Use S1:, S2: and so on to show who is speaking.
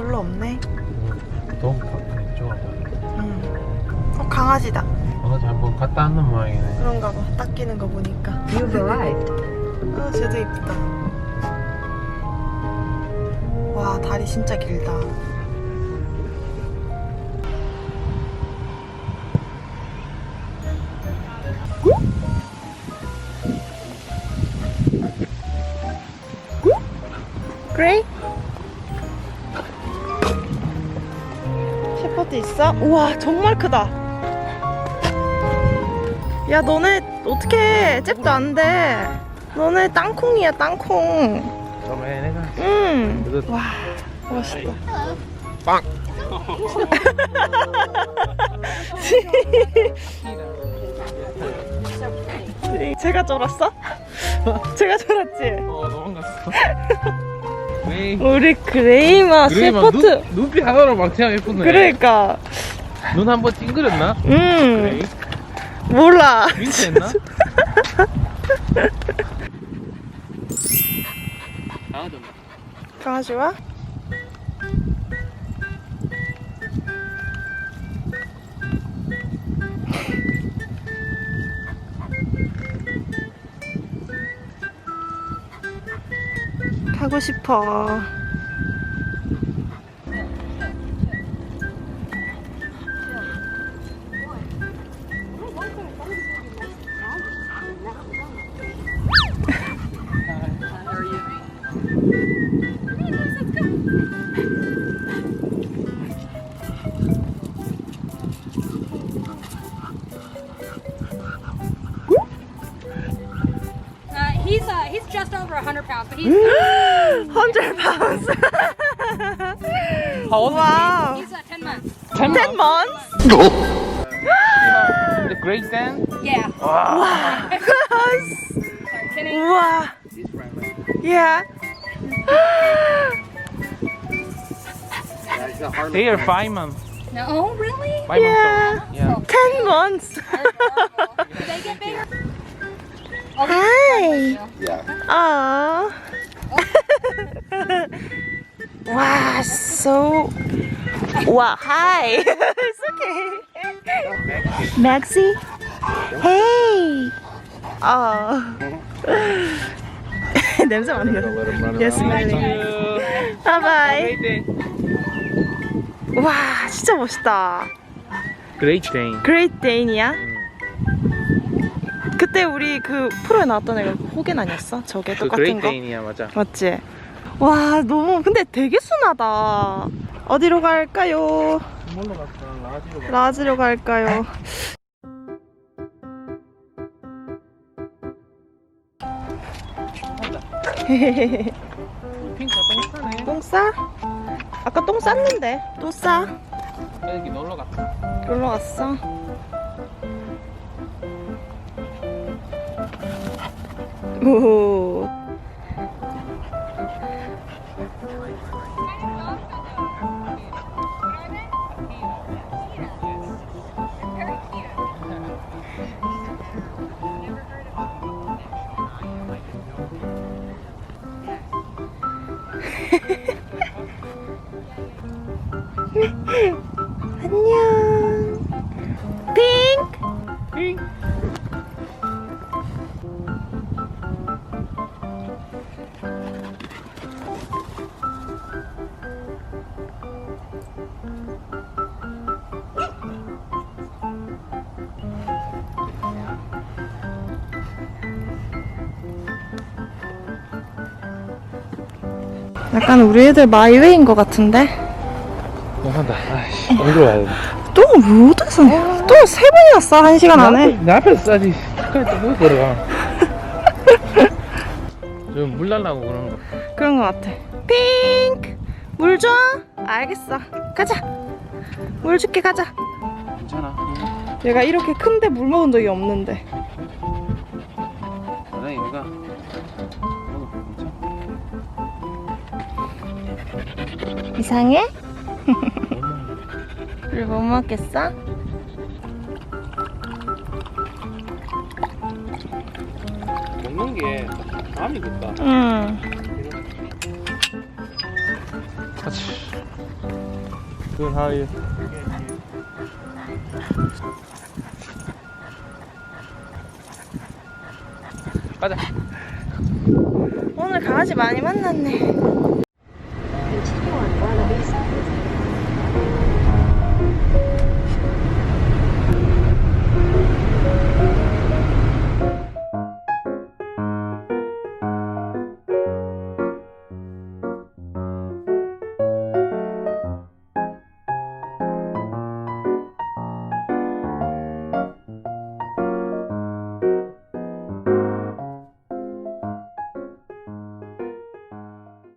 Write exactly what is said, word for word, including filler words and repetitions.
S1: 별로 없네.
S2: 응. 너무 바쁘네. 좋아.
S1: 응. 어, 강아지다.
S2: 강아지 한번 갔다 왔는 모양이네.
S1: 그런가 봐. 닦이는 거 보니까.
S3: You've arrived.
S1: 아, 쟤도 이쁘다. 와, 다리 진짜 길다. 그레이? 셰퍼드 있어? 우와, 정말 크다. 야, 너네 어떡해. 잽도 안 돼. 너네 땅콩이야, 땅콩.
S2: 그러면 내가
S1: 응. 와, 멋있다.
S2: 빵!
S1: 제가 쫄았어? 제가 쫄았지?
S2: 어, 도망갔어. 왜?
S1: 우리 그레이마 셰퍼드.
S2: 눈, 눈빛 하나로 망치하면 예쁘네.
S1: 그러니까.
S2: 눈 한번 찡그렸나?
S1: 음.
S2: 그레이?
S1: 몰라.
S2: 윙크했나? 강아지 온다.
S1: 강아지 와? 가고 싶어.
S4: Uh, he's uh, he's just over a hundred pounds, but he's
S1: hundred pounds.
S2: How old
S1: wow.
S4: he's uh, ten months.
S2: Ten
S1: ten months?
S2: The Great Dan?
S4: Yeah.
S2: Wow.
S4: Sorry, Kenny.
S1: 우와. Yeah.
S2: They are five months.
S4: No, oh really?
S2: Five
S1: Yeah.
S2: months old. Yeah.
S1: ten months.
S4: They're adorable. Do they get bigger? Oh,
S1: Hi.
S2: Yeah.
S1: Aww. wow, so. Wow, hi. It's okay. Maxie? Hey. Oh. 냄새 맡는 거. Yes, smelling. Bye bye.
S2: Great Dan.
S1: 와, 진짜 멋있다.
S2: Great Dan.
S1: Great Dane이야? 그때 우리 그 프로에 나왔던 애가 호겐 아니었어? 저게
S2: 그
S1: 똑같은
S2: Great
S1: 거?
S2: Dane이야, 맞아.
S1: 맞지? 와, 너무 근데 되게 순하다. 어디로 갈까요?
S2: 뭘로 갔어? 라지로 갔어.
S1: 라지로 갈까요?
S2: 핑크가 똥 싸네.
S1: 똥 싸? 아까 똥 쌌는데 또 싸?
S2: 여기 놀러 갔어.
S1: 놀러 갔어? 오. 안녕. 핑크.
S2: 핑크.
S1: 약간 우리 애들 마이웨이인 것 같은데?
S2: 너무한다. 아이씨, 어디로 가야 돼?
S1: 똥을 왜 어디서 똥을 세 번이나 싸, 한 시간 안에?
S2: 내 앞에서 싸지. 끝까지 또 걸어가. 좀 물 날라고 그런 거.
S1: 그런 것 같아. 핑크! 물 줘? 알겠어. 가자. 물 줄게, 가자.
S2: 괜찮아.
S1: 얘가 이렇게 큰데 물 먹은 적이 없는데.
S2: 나중에 얘가
S1: 이상해? 물 못 먹겠어?
S2: 먹는 게 마음이 급다.
S1: 응.
S2: 같이. Good, how are you? 가자.
S1: 오늘 강아지 많이 만났네.